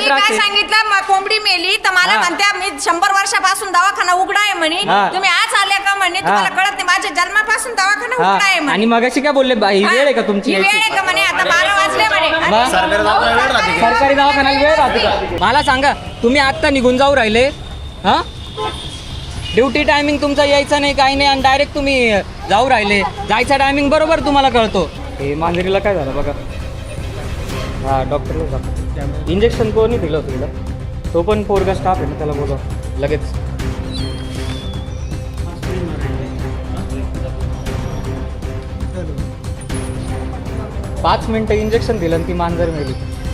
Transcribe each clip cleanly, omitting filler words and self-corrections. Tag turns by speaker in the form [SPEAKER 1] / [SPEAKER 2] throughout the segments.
[SPEAKER 1] त्रास
[SPEAKER 2] काय
[SPEAKER 1] आहे?
[SPEAKER 2] सांगितलं कोंबडी मेली तर मला
[SPEAKER 1] हा.
[SPEAKER 2] म्हणत्या मी 100 वर्षापासून दवाखाना उघडा आहे म्हणे
[SPEAKER 1] हा.
[SPEAKER 2] तुम्ही आज आले का म्हणे तुम्हाला कळत नाही माझ्या जन्मापासून दवाखाना
[SPEAKER 1] हा.
[SPEAKER 2] उघडा आहे
[SPEAKER 1] आणि
[SPEAKER 2] म्हणे
[SPEAKER 1] मगाशी काय बोलले ही
[SPEAKER 2] हा.
[SPEAKER 1] वेळ आहे का तुमची
[SPEAKER 2] ही वेळ
[SPEAKER 1] यायची?
[SPEAKER 2] आहे का म्हणे आता 12 वाजले म्हणे
[SPEAKER 1] मग? सरकारी दवाखान्याला वेळ राहते का? मला सांगा तुम्ही आत्ता निघून जाऊ राहिले हा ड्युटी टायमिंग तुमचा यायचा नाही काही नाही आणि डायरेक्ट तुम्ही जाऊ राहिले जायचा टायमिंग बरोबर तुम्हाला कळतो हे मांजरीला काय झालं बघा हा डॉक्टरला जा इंजेक्शन कोणी दिलं होतं तिला तो पण पोरगा स्टाफ आहे ना त्याला बोलवा लगेच पाच मिनिटं इंजेक्शन दिलं आणि ती मांजर मेली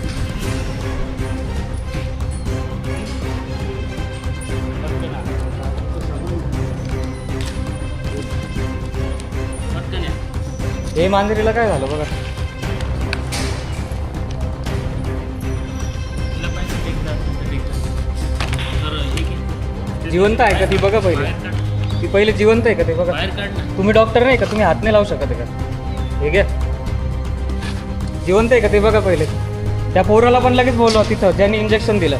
[SPEAKER 1] हे मांजरीला काय झालं बघा जिवंत आहे का ती बघा पहिले ती पहिले जिवंत आहे का ते बघा तुम्ही डॉक्टर नाही का तुम्ही हात नाही लावू शकत आहे का हे घ्या जिवंत आहे का ते बघा पहिले त्या पोराला पण लगेच बोलवा तिथं ज्यांनी इंजेक्शन दिलं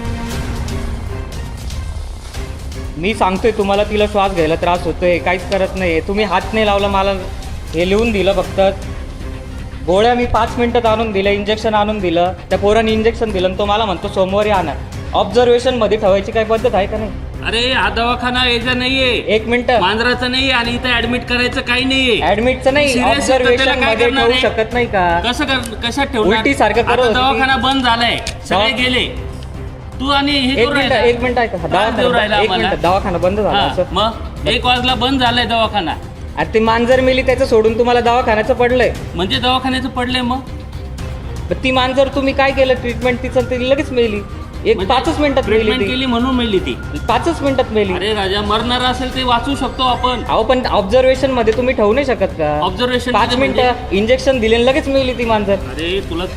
[SPEAKER 1] मी सांगतोय तुम्हाला तिला श्वास घ्यायला त्रास होतोय काहीच करत नाही तुम्ही हात नाही लावला मला हे लिहून दिलं फक्त गोळ्या मी 5 मिनिटात आणून दिल्या इंजेक्शन आणून दिलं त्या पोराने इंजेक्शन दिलं आणि तो मला म्हणतो सोमवारी आणा ऑब्झर्वेशन मध्ये ठेवायची काही पद्धत आहे का नाही
[SPEAKER 3] अरे हा दवाखाना यायचा नाहीये
[SPEAKER 1] 1 मिनिट
[SPEAKER 3] मांजराचा नाहीये आणि इथं ऍडमिट करायचं काही नाहीये
[SPEAKER 1] ऍडमिटचं नाही
[SPEAKER 3] Serious आहे तर त्याला
[SPEAKER 1] ऑब्झर्वेशन
[SPEAKER 3] काय
[SPEAKER 1] मध्ये
[SPEAKER 3] करणार
[SPEAKER 1] ठेवू
[SPEAKER 3] आहे?
[SPEAKER 1] शकत नाही का
[SPEAKER 3] कशात ठेवणार
[SPEAKER 1] उलटीसारखं करत
[SPEAKER 3] आता
[SPEAKER 1] होती ती.
[SPEAKER 3] दवाखाना बंद झालाय सगळे गेले तू आणि हे करू राहिला.
[SPEAKER 1] एक मिनिट ऐका
[SPEAKER 3] त्रास देऊ राहिला
[SPEAKER 1] एक
[SPEAKER 3] आम्हाला.
[SPEAKER 1] मिनिट दवाखाना बंद झाला
[SPEAKER 3] हा,
[SPEAKER 1] असं
[SPEAKER 3] मग 1 वाजला बंद झालाय दवाखाना
[SPEAKER 1] आणि ती मांजर मेली त्याचं सोडून तुम्हाला दवाखान्याचं पडलंय
[SPEAKER 3] म्हणजे दवाखान्याचं पडले मग
[SPEAKER 1] पण ती मांजर तुम्ही काय केलं ट्रीटमेंट तिचं ती लगेच मेली एक 5 मिनिटात
[SPEAKER 3] ट्रीटमेंट
[SPEAKER 1] मेली
[SPEAKER 3] केली म्हणून मिळली ती
[SPEAKER 1] ती 5 मिनिटात मेली
[SPEAKER 3] अरे राजा मरणार असेल ते वाचू शकतो आपण
[SPEAKER 1] अहो पण ऑब्झर्वेशन मध्ये तुम्ही ठेवू नाही शकत का
[SPEAKER 3] Observation
[SPEAKER 1] 5
[SPEAKER 3] मध्ये म्हणजे?
[SPEAKER 1] मिनिटं इंजेक्शन दिले आणि लगेच मेली ती मांजर
[SPEAKER 3] अरे तुला